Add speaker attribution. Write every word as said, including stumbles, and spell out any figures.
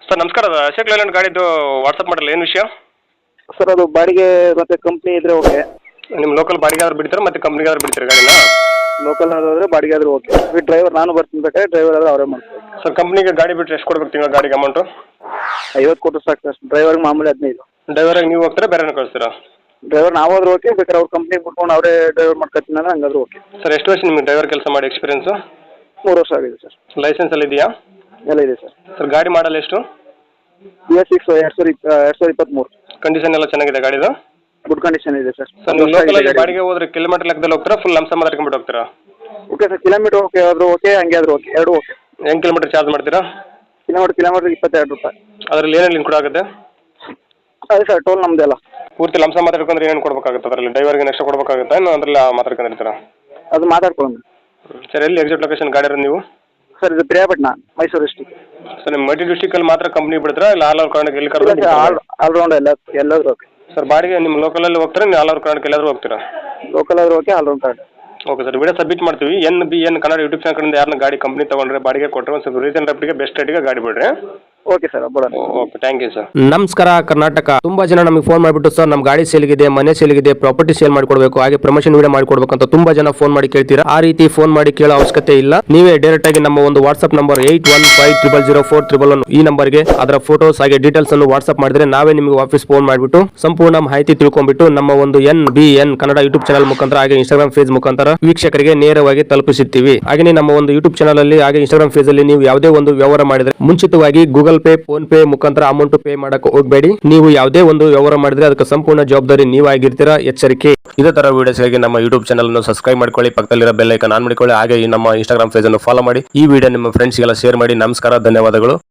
Speaker 1: Sir ನಮಸ್ಕಾರ, ಅದು Ashok Layland ಗಾಡಿದು ವಾಟ್ಸಪ್ ಮಾಡಲ್ಲ, ಏನು ವಿಷಯ?
Speaker 2: ಸರ್ ಅದು ಬಾಡಿಗೆ ಮತ್ತು ಕಂಪ್ನಿ ಇದ್ರೆ ಓಕೆ.
Speaker 1: ನಿಮ್ಮ ಲೋಕಲ್ ಬಾಡಿಗೆ ಆದ್ರೂ ಬಿಡ್ತಾರೆ ಮತ್ತು ಕಂಪ್ನಿಗೆ ಆದ್ರೂ ಬಿಡ್ತಾರೆ ಗಾಡಿನ?
Speaker 2: ಲೋಕಲ್ ಆದ್ರೆ ಬಾಡಿಗೆ ಆದರೂ ಓಕೆ. ಈ ಡ್ರೈವರ್ ನಾನು ಬರ್ತೀನಿ ಬೇಕಾದ್ರೆ, ಡ್ರೈವರ್ ಆದ್ರೆ ಅವರೇ ಮಾಡ್ತಾರೆ.
Speaker 1: ಸರ್ ಕಂಪ್ನಿಗೆ ಗಾಡಿ ಬಿಟ್ಟರೆ ಎಷ್ಟು ಕೊಡ್ಬೇಕು ತಿಂಗಳ ಗಾಡಿಗೆ ಅಮೌಂಟು?
Speaker 2: ಐವತ್ತು ಕೊಟ್ಟರು ಸಾಕು ಸರ್. ಡ್ರೈವರ್ಗೆ ಮಾಮೂಲಿ ಹದಿನೈದು.
Speaker 1: ಡ್ರೈವರಿಗೆ ನೀವು ಹೋಗ್ತೀರಾ, ಬೇರೆನ ಕಳಿಸ್ತೀರಾ?
Speaker 2: ಡ್ರೈವರ್ ನಾವು ಆದ್ರೂ ಓಕೆ, ಬೇಕಾದ್ರೆ ಅವ್ರ ಕಂಪ್ನಿಗೆ ಬಿಟ್ಕೊಂಡು ಅವರೇ ಡ್ರೈವರ್ ಮಾಡ್ಕೊತೀನಿ ಅಂದ್ರೆ ಹಂಗಾದ್ರೂ ಓಕೆ.
Speaker 1: ಸರ್ ಎಷ್ಟು ವರ್ಷ ನಿಮಗೆ ಡ್ರೈವರ್ ಕೆಲಸ ಮಾಡಿ ಎಕ್ಸ್ಪೀರಿಯನ್ಸು?
Speaker 2: ಮೂರು ವರ್ಷ ಆಗಿದೆ ಸರ್.
Speaker 1: ಲೈಸೆನ್ಸ್ ಎಲ್ಲ ಇದೆಯಾ?
Speaker 2: ಎಲ್ಲ ಇದೆ ಸರ್.
Speaker 1: ಸರ್ ಗಾಡಿ ಮಾಡಲ್ಲ ಎಷ್ಟು?
Speaker 2: ಬಿ ಎಸ್ ಸಿಕ್ಸ್ ಎರಡು ಸಾವಿರ ಇಪ್ಪ ಎರಡು ಸಾವಿರ ಇಪ್ಪತ್ತ್ಮೂರು.
Speaker 1: ಕಂಡೀಷನ್ ಎಲ್ಲ ಚೆನ್ನಾಗಿದೆ ಗಾಡಿದು?
Speaker 2: ಗುಡ್ ಕಂಡೀಷನ್ ಇದೆ ಸರ್.
Speaker 1: ಸರ್ ನೀವು ಲೋಕಲಲ್ಲಿ ಬಾಡಿಗೆ ಹೋದ್ರೆ ಕಿಲೋಮೀಟರ್ ಲೆಕ್ಕದಲ್ಲಿ ಹೋಗ್ತೀರಾ, ಫುಲ್ ಲಂಸ ಮಾತಾಡ್ಕೊಂಡ್ಬಿಟ್ಟು ಹೋಗ್ತೀರಾ?
Speaker 2: ಓಕೆ ಸರ್, ಕಿಲೋಮೀಟರ್ ಓಕೆ ಆದರೂ ಓಕೆ, ಹಂಗೆ ಆದರೂ ಓಕೆ, ಎರಡು ಓಕೆ.
Speaker 1: ಹೆಂಗೆ ಕಿಲೋಮೀಟರ್ ಚಾರ್ಜ್ ಮಾಡ್ತೀರಾ?
Speaker 2: ಕಿಲೋಮೀಟರ್ ಕಿಲೋಮೀಟರ್ ಇಪ್ಪತ್ತೆರಡು ರೂಪಾಯಿ.
Speaker 1: ಅದರಲ್ಲಿ ಏನೇನು ಇನ್ಕ್ಲೂಡ್ ಆಗುತ್ತೆ?
Speaker 2: ಅದೇ ಸರ್, ಟೋಲ್ ನಮ್ಮದೆಲ್ಲ.
Speaker 1: ಪೂರ್ತಿ ಲಂಸ ಮಾತಾಡ್ಕೊಂಡ್ರೆ ಏನೇನು ಕೊಡಬೇಕಾಗುತ್ತೆ ಅದರಲ್ಲಿ? ಡ್ರೈವರ್ಗೆ ನೆಕ್ಸ್ಟ್ ಕೊಡಬೇಕಾಗುತ್ತೆ, ಇನ್ನು ಅದರಲ್ಲಿ ಮಾತಾಡ್ಕೊಂಡಿರ್ತೀರಾ?
Speaker 2: ಅದು ಮಾತಾಡ್ಕೊಳ್ಳೋಣ
Speaker 1: ಸರ್ ಎಲ್ಲಿ ಎಕ್ಸಾಕ್ಟ್ ಲೊಕೇಶನ್ ಗಾಡಿ ಇರೋದು ನೀವು?
Speaker 2: ಸರ್ ಇದು ಪ್ರಿಯಾಪಟ್ಟಣ, ಮೈಸೂರು ಡಿಸ್ಟಿಕ್.
Speaker 1: ಸರ್ ನಿಮ್ಮ ಮಲ್ಟಿ ಡಿಸ್ಟಿಕಲ್ಲಿ ಮಾತ್ರ ಕಂಪ್ನಿ ಬಿಡ್ತೀರಾ, ಇಲ್ಲ ಆಲ್ ಓವರ್ ಕರ್ನಾಟಕ ಎಲ್ಲಿ ಕರ್ಕೊಂಡು?
Speaker 2: ಆಲ್ ಆಲ್ರೌಂಡ್ ಎಲ್ಲ ಎಲ್ಲಾದರೂ ಓಕೆ.
Speaker 1: ಸರ್ ಬಾಡಿಗೆ ನಿಮ್ಮ ಲೋಕಲಲ್ಲಿ ಹೋಗ್ತೀರಾ, ನೀವು ಆಲ್ ಓವರ್ ಕರ್ನಾಟಕ ಎಲ್ಲಾದರೂ ಹೋಗ್ತೀರಾ?
Speaker 2: ಲೋಕಲ್ ಆದರೂ okay, all round card.
Speaker 1: Okay sir, video submit ಮಾಡ್ತೀವಿ. N B N Kannada YouTube channel ಕಡೆಯಿಂದ ಯಾರನ್ನ ಗಾಡಿ ಕಂಪ್ನಿ ತೊಗೊಂಡ್ರೆ ಬಾಡಿಗೆ ಕೊಟ್ಟರೆ ಒಂದು ಸ್ವಲ್ಪ ರೀಸನ್ ರೇಟ್ಗೆ ಬೆಸ್ಟ್ ರೇಟಿಗೆ ಗಾಡಿ ಬಿಡ್ರಿ.
Speaker 2: ಓಕೆ ಸರ್, ಬಿಡೋಣ.
Speaker 1: Okay, thank you sir.
Speaker 3: ನಮಸ್ಕಾರ ಕರ್ನಾಟಕ. ತುಂಬಾ ಜನ ನಮಗೆ ಫೋನ್ ಮಾಡಿಬಿಟ್ಟು ಸರ್ ನಮ್ಮ ಗಾಡಿ ಸೇಲ್ಗಿದೆ, ಮನೆ ಸೇಲ್ಗಿದೆ, ಪ್ರಾಪರ್ಟಿ ಸೇಲ್ ಮಾಡ್ಕೊಡ್ಬೇಕು, ಹಾಗೆ ಪ್ರಮೋಷನ್ ವಿಡಿಯೋ ಮಾಡ್ಕೊಡ್ಬೇಕು ಅಂತ ತುಂಬಾ ಜನ ಫೋನ್ ಮಾಡಿ ಕೇಳ್ತೀರಾ. ಆ ರೀತಿ ಫೋನ್ ಮಾಡಿ ಕೇಳೋ ಅವಶ್ಯಕತೆ ಇಲ್ಲ. ನೀವೇ ಡೈರೆಕ್ಟ್ ಆಗಿ ನಮ್ಮ ಒಂದು WhatsApp number eight one five triple zero four triple one ಈ ನಂಬರ್ಗೆ ಅದರ ಫೋಟೋಸ್ ಹಾಗೆ ಡೀಟೇಲ್ಸ್ ಅನ್ನು ವಾಟ್ಸ್ಆಪ್ ಮಾಡಿದ್ರೆ ನಾವೇ ನಿಮಗೆ ವಾಪಸ್ ಫೋನ್ ಮಾಡಿಬಿಟ್ಟು ಸಂಪೂರ್ಣ ಮಾಹಿತಿ ತಿಳ್ಕೊಂಡ್ಬಿಟ್ಟು ನಮ್ಮ ಒಂದು N B N Kannada YouTube channel ಮುಖಾಂತರ ಹಾಗೆ ಇನ್ಸ್ಟಾಗ್ರಾಮ್ ಫೇಸ್ ಮುಖಾಂತರ ವೀಕ್ಷಕರಿಗೆ ನೇರವಾಗಿ ತಲುಪಿಸುತ್ತೀವಿ. ಹಾಗೆ ನಮ್ಮ ಒಂದು ಯೂಟ್ಯೂಬ್ ಚಾನಲ್ ಅಲ್ಲಿ ಹಾಗೆ ಇನ್ಸ್ಟಾಗ್ರಾಮ್ ಫೇಸ್ ಅಲ್ಲಿ ನೀವು ಯಾವುದೇ ಒಂದು ವ್ಯವಹಾರ ಮಾಡಿದ್ರೆ ಮುಂಚಿತವಾಗಿ ಗೂಗಲ್ ಪೇ, ಫೋನ್ ಪೇ ಮುಖಾಂತರ ಅಮೌಂಟ್ ಪೇ ಮಾಡಕ್ಕೆ ಹೋಗಬೇಡಿ. ನೀವು ಯಾವುದೇ ಒಂದು ವ್ಯವಹಾರ ಮಾಡಿದ್ರೆ ಅದಕ್ಕೆ ಸಂಪೂರ್ಣ ಜವಾಬ್ದಾರಿ ನೀವಾಗಿರ್ತೀರಾ, ಎಚ್ಚರಿಕೆ. ಇದೇ ತರ ವಿಡಿಯೋಸ್ಗಾಗಿ ನಮ್ಮ ಯೂಟ್ಯೂಬ್ ಚಾನಲ್ ಅನ್ನು ಸಬ್ಸ್ಕ್ರೈಬ್ ಮಾಡ್ಕೊಳ್ಳಿ, ಪಕ್ಕದಲ್ಲಿರೋ ಬೆಲ್ ಐಕಾನ್ ಆನ್ ಮಾಡಿಕೊಳ್ಳಿ, ಹಾಗೆ ಈ ನಮ್ಮ ಇನ್ಸ್ಟಾಗ್ರಾಮ್ ಪೇಜ್ ಅನ್ನು ಫಾಲೋ ಮಾಡಿ. ಈ ವಿಡಿಯೋ ನಿಮ್ಮ ಫ್ರೆಂಡ್ಸ್ಗೆಲ್ಲ ಶೇರ್ ಮಾಡಿ. ನಮಸ್ಕಾರ, ಧನ್ಯವಾದಗಳು.